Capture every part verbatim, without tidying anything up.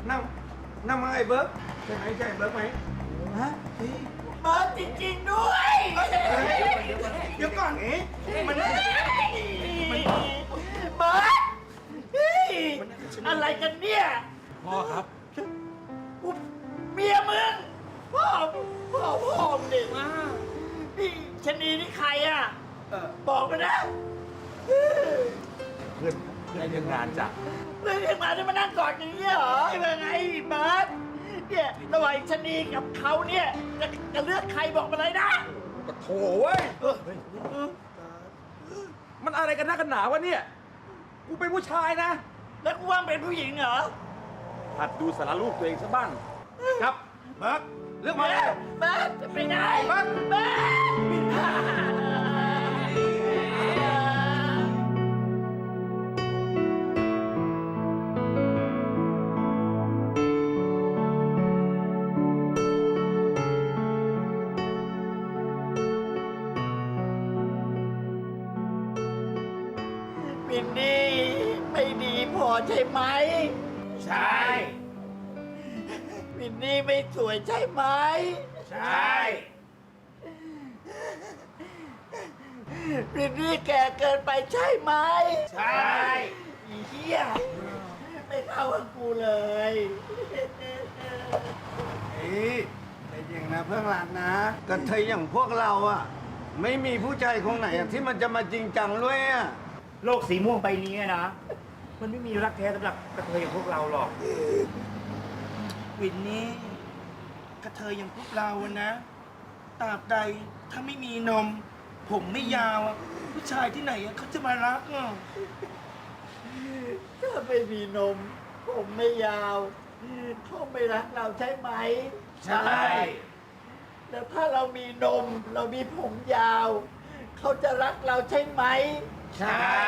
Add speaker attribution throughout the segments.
Speaker 1: นั่งนั่งมาไอ้เบิร์กใช่ไหมใช่เบิร์กไหมฮะเบิร์กจริงๆด้วยเดี๋ยวก่อนเอ๊ะมันมันเบิร์กอะไรกันเนี่ยพ่อครับเมียมึงพ่อพ่อพ่อมึงดินี่ชะนีนี่ใครอ่ะบอกมานะเพื่อนเพื่อนเรื่องงานจ้ะเรื่องเรื่องงานที่มานั่งกอดอย่างนี้เหรอยังไงเบิร์ตเนี่ยระหว่างชะนีกับเขาเนี่ยจะจะเลือกใครบอกมาเลยนะก็โถเว้ยมันอะไรกันนักกันหนาวะเนี่ยกูเป็นผู้ชายนะแล้วกูว่าเป็นผู้หญิงเหรอหัดดูสารรูปตัวเองซะบ้างครับเบิร์ตเลือกมาเลยเบิร์ตไปไหนเบิร์ตเบิร์ตมินนี่ไม่ดีพอใช่ไหมใช่มินนี่ไม่สวยใช่ไหมใช่มินนี่แก่เกินไปใช่ไหมใช่อีเหี้ยไม่เข้ากับกูเลยเฮ้ยใจเย็นนะเพื่อนรักนะกระเทยอย่างพวกเราอ่ะไม่มีผู้ชายคนไหนอะที่มันจะมาจริงจังด้วยอ่ะ
Speaker 2: โลกสีม่วงใบนี้นะมันไม่มีรักแท้สำหรับกระเทยอย่างพวกเราหรอก
Speaker 1: วินนี่กระเทยอย่างพวกเราอะนะตราบใดถ้าไม่มีนมผมไม่ยาวอะผู้ชายที่ไหนอะเขาจะมารักอ่ะถ้าไม่มีนมผมไม่ยาวเขาไม่รักเราใช่ไหมใช่แล้วถ้าเรามีนมเรามีผมยาวเขาจะรักเราใช่ไหมใช่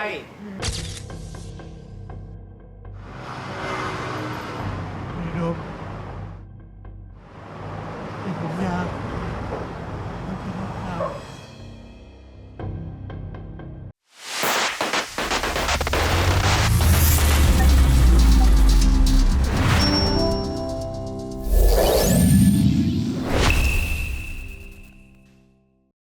Speaker 1: มีนมมีผมยาว